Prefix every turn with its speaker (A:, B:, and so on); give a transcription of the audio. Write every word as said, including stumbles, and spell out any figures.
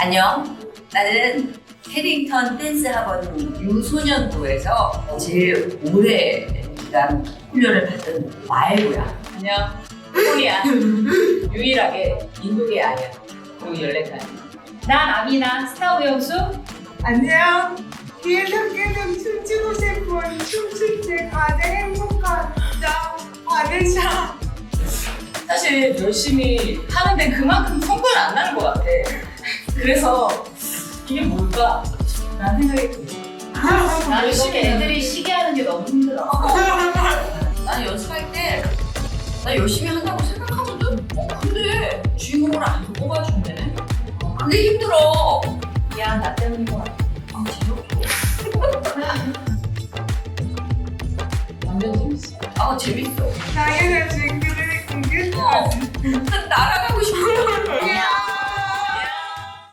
A: 안녕. 나는 캐링턴 댄스 학원 유소년부에서 제일 오래 기간 훈련을 받은 마애고야.
B: 안녕. 코리아. 유일하게 인도계 아니야. 그리고 열네 살. 난 아미나 스타 우영수.
C: 안녕. 계속계속 춤추고 싶은 춤출 때 가장 행복한 나 바르샤.
B: 사실 열심히 하는데 그만큼 성과는 안 나는 것 같아. 그래서 이게 뭘까? 라는 생각이 들어. 나 열심히 애들이 시게 하는 게 너무 힘들어.
A: 나는 연습할 때 나 열심히 한다고 생각하거든? 어, 근데 주인공을 안 뽑아준대. 어, 그게 힘들어.
B: 미안, 나 때문인 것 같아.
A: 아, 재밌어.
B: 완전 재밌어.
A: 아, 재밌어.
C: 당연하지. 그래, 그게
A: 어, 난 날아가고 싶어.
C: 야.